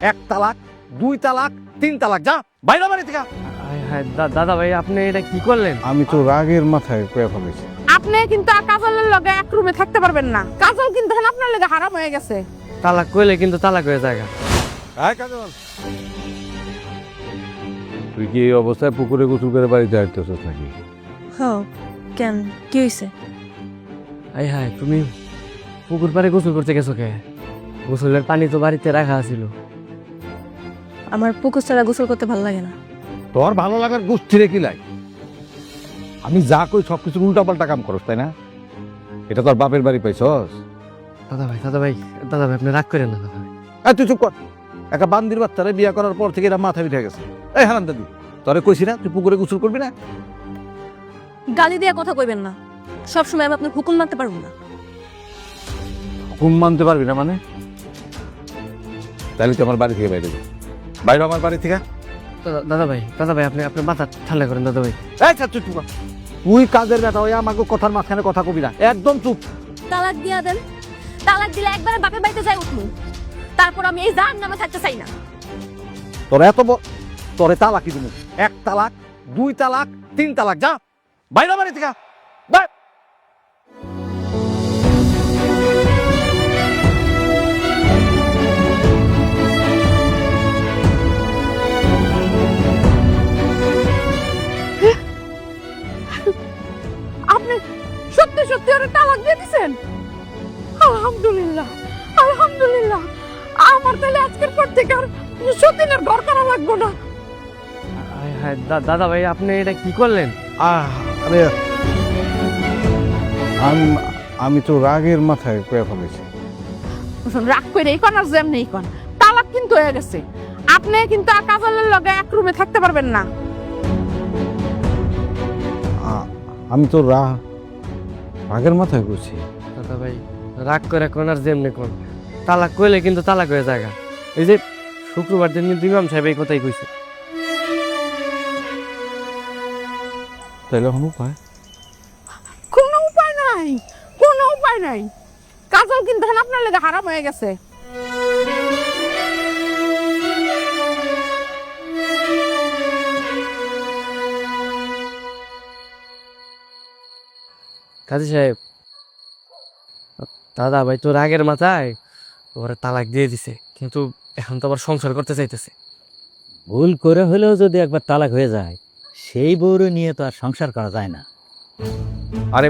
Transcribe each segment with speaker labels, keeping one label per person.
Speaker 1: এক তালাক, দুই তালাক, তিন তালাক, যা বাইরে বাড়ি থেকে।
Speaker 2: হ্যাঁ দাদা ভাই আপনি এটা কি করলেন?
Speaker 3: আমি তো রাগের মাথায় কয়ে ফেলেছি।
Speaker 4: আপনি কিন্তু আর কাজলের লগে এক রুমে থাকতে পারবেন না। কাজল কিন্তু এখন আপনার লগে হারাম হয়ে গেছে।
Speaker 2: তালাক কইলে কিন্তু তালাক হয়ে যায়।
Speaker 1: আয় কাজল,
Speaker 3: তুই কি এই অবস্থায় পুকুরে গোসল করে বাড়িতে আসতেছিস নাকি?
Speaker 5: হ্যাঁ, কেন কি হয়েছে?
Speaker 2: আই হাই, তুমি পুকুর পাড়ে গোসল করতে গেছো কে? গোসলের পানি তো বাড়িতে রাখা ছিল।
Speaker 5: আমার পুকুর ছাড়া গোসল করতে ভালো লাগে না।
Speaker 1: তোর ভালো লাগার গোষ্ঠীরে কি লাই? আমি যা কই সবকিছু উল্টা পাল্টা কাম করস, তাই না? এটা তোর বাপের বাড়ি পাইছস?
Speaker 2: দাদা ভাই আপনি রাগ করেন না দাদা ভাই।
Speaker 1: তুই চুপ কর। একটা বান্দির বাচ্চারে বিয়া করার পর থেকে এরা মাথা উঠে গেছে। এই হারান দাদি, তোরে কইছি না তুই পুকুরে গোসল করবি না?
Speaker 5: গালি দিয়ে কথা কইবেন না। সব সময় আমি আপনার হুকুম মানতে পারবো না।
Speaker 1: হুকুম মানতে পারবি না মানে? তাহলে তুই আমার বাড়ি থেকে বাইরে যা। বাইরে আমার বাড়ি থেকে।
Speaker 2: দাদা ভাই আপনি আপনার মাথা ঠান্ডা করেন দাদা ভাই।
Speaker 1: এই চুপ চুপ কর। তুই কাজের বেটা ওই আমাকে কথার মাঝখানে কথা কবি না, একদম চুপ।
Speaker 5: তালাক দিয়া দেন। তালাক দিলে একবারে বাপের বাড়িতে যাই উঠবো। তারপর আমি এই জাহান নামে থাকতে চাই না।
Speaker 1: তোর এত তোরে তালাকই দিবি। এক তালাক, দুই তালাক, তিন তালাক, যা বাইরে বাড়ি থেকে। বাই।
Speaker 4: আপনি সত্যি সত্যি ওরে তালাক দিয়ে দিছেন? আলহামদুলিল্লাহ, আলহামদুলিল্লাহ। আমার তাহলে আজকের পর থেকে আর সতীনের ঘর করা লাগবে না।
Speaker 2: হ্যাঁ দাদা ভাই আপনি এটা কি করলেন?
Speaker 3: আরে আমি তো রাগের মাথায় কয়ে ফেলেছি।
Speaker 4: রাগ করে এই কোন আর যেমনি এই কোন তালাক কিন্তু হয়ে গেছে। আপনি কিন্তু আর কাজলের লগে এক রুমে থাকতে পারবেন না।
Speaker 3: আমি তো রাগের মাথায় করছি।
Speaker 2: দাদা ভাই রাগ করে কোন আর যেমনি কোন, তালাক কইলে কিন্তু তালাক হয়ে যায়। এই যে শুক্রবার দিন কিন্তু ইমাম সাহেব এই কথাই কইছে।
Speaker 3: তাইলে এখন উপায়?
Speaker 4: কোনো উপায় নাই, কোনো উপায় নাই। কাজল কিন্তু এখন আপনার লগে হারাম হয়ে গেছে।
Speaker 2: কাজী সাহেব, দাদা ভাই তো রাগের মাথায় ওরা তালাক দিয়ে দিছে, কিন্তু এখন তো আবার সংসার করতে চাইতেছে।
Speaker 6: ভুল করে হলেও যদি একবার তালাক হয়ে যায়, সেই বউরে নিয়ে তো আর সংসার করা যায় না।
Speaker 3: আরে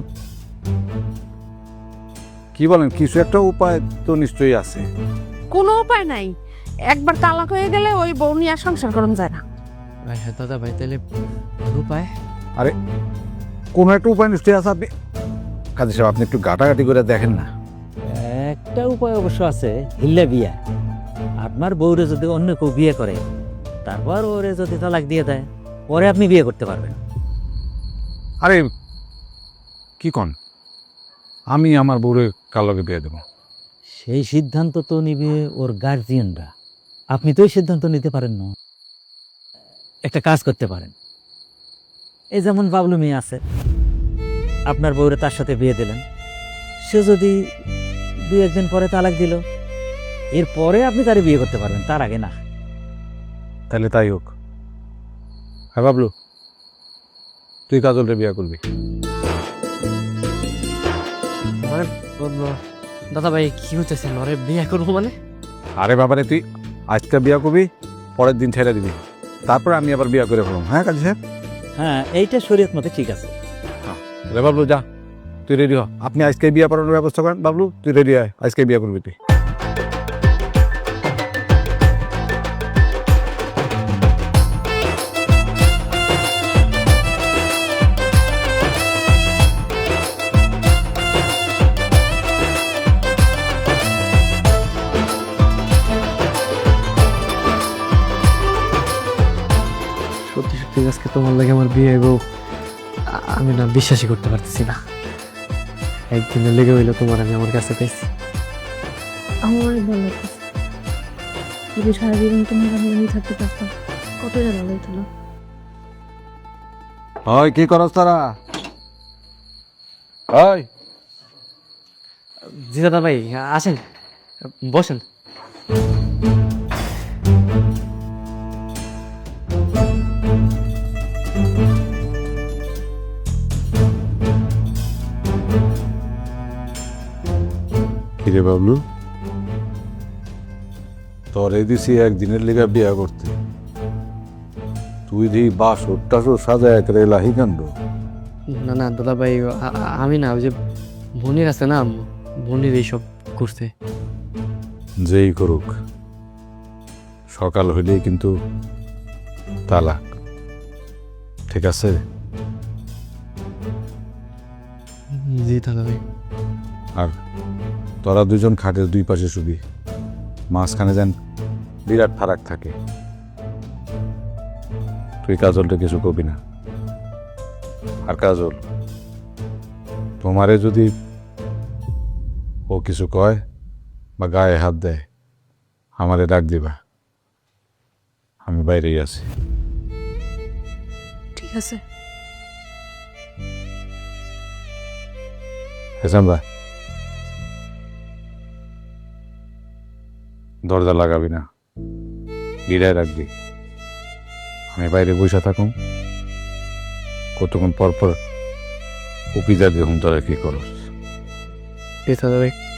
Speaker 3: কি বলেন, কিছু একটা উপায় তো নিশ্চয়ই আছে।
Speaker 4: কোনো উপায় নাই। একবার তালাক হয়ে গেলে ওই বউ নিয়ে আর সংসার করুন যায় না।
Speaker 2: ভাই হ্যাঁ দাদা ভাই, তাহলে উপায়?
Speaker 3: আরে কোনো একটা উপায় নিশ্চয়ই আছে। আপনি কাজী সাহেব, আপনি একটু ঘাটাঘাটি করে দেখেন না।
Speaker 6: একটা উপায় অবশ্য আছে, হিল্লা বিয়া। আপনার বউরে যদি অন্য কেউ বিয়ে করে, তারপর ওরে যদি তালাক দিয়ে দেয়, পরে আপনি বিয়ে করতে পারবেন।
Speaker 3: আরে কি কন, আমি আমার বউরে কার লগে বিয়ে দেবো?
Speaker 6: সেই সিদ্ধান্ত তো নিবে ওর গার্জিয়ানরা। আপনি তো এই সিদ্ধান্ত নিতে পারেন না। একটা কাজ করতে পারেন, এই যেমন বাবলু মেয়ে আছে, আপনার বউরে তার সাথে বিয়ে দিলেন। সে যদি 2-1 দিন পরে তালাক দিল, এরপরে আপনি তারে বিয়ে করতে পারবেন, তার আগে না।
Speaker 3: তাহলে তাই হোক। হ্যাঁ বাবলু, তুই কাজলরে বিয়ে করবি।
Speaker 2: মানে দাদা ভাই কি হইতেছে, নরে বিয়ে করবো মানে?
Speaker 3: আরে বাবারে, তুই আজকে বিয়ে করবি, পরের দিন ছেড়ে দিবি, তারপর আমি আবার বিয়ে করে ফেললাম। হ্যাঁ কাজী সাহেব?
Speaker 6: হ্যাঁ, এইটা শরীয়ত মতে ঠিক আছে।
Speaker 3: রে বাবলু, যা তুই রেডি হ। আপনি আজকে বিয়ে পড়ানোর ব্যবস্থা করেন। বাবলু তুই রেডি হয়, আজকে বিয়ে করবি তুই।
Speaker 2: সত্যি সত্যি আজকে তোমার লাগে আমার বিয়ে হইব, আমি না বিশ্বাসই করতে পারতেছি না। একদিনে লেগে হইলো তোমার আমি আমার কাছে পেয়েছি।
Speaker 5: আমার অনেক ভালো লাগতেছে। যদি সারা জীবন তুমি আমি থাকতে পারতাম, কতটা ভালো হইতো না?
Speaker 3: ওই কি করস তারা? ওই
Speaker 2: জি দাদা ভাই আসেন, বসেন।
Speaker 3: কিরে বাবলু, তোর দিছি একদিনের লেগা বিয়া করতে, তুই দি বাসর টাসর সাজায় করে লাহি কান্ড।
Speaker 2: না না দাদা ভাই, আমি না, ওই যে বোনের আছে না, বোনের এইসব করছে।
Speaker 3: যেই করুক, সকাল হইলেই কিন্তু তালাক, ঠিক আছে?
Speaker 2: জি দাদা ভাই।
Speaker 3: আর তোরা দুজন খাটের দুই পাশে শুবি, মাঝখানে যেন বিরাট ফারাক থাকে। তুই কাজলটা কিছু কবি না। আর কাজল, তোমারে যদি ও কিছু কয় বা গায়ে হাত দেয়, আমারে ডাক দিবা, আমি বাইরেই আছি।
Speaker 5: ঠিক আছে।
Speaker 3: হেসাম্বা, দরজা লাগাবি না, গিরায় রাখবি। আমি বাইরে বসে থাকুম, কতক্ষণ পর পর উপিজা দিয়ে হুম তোরা কি করস।
Speaker 2: দাদা ভাই।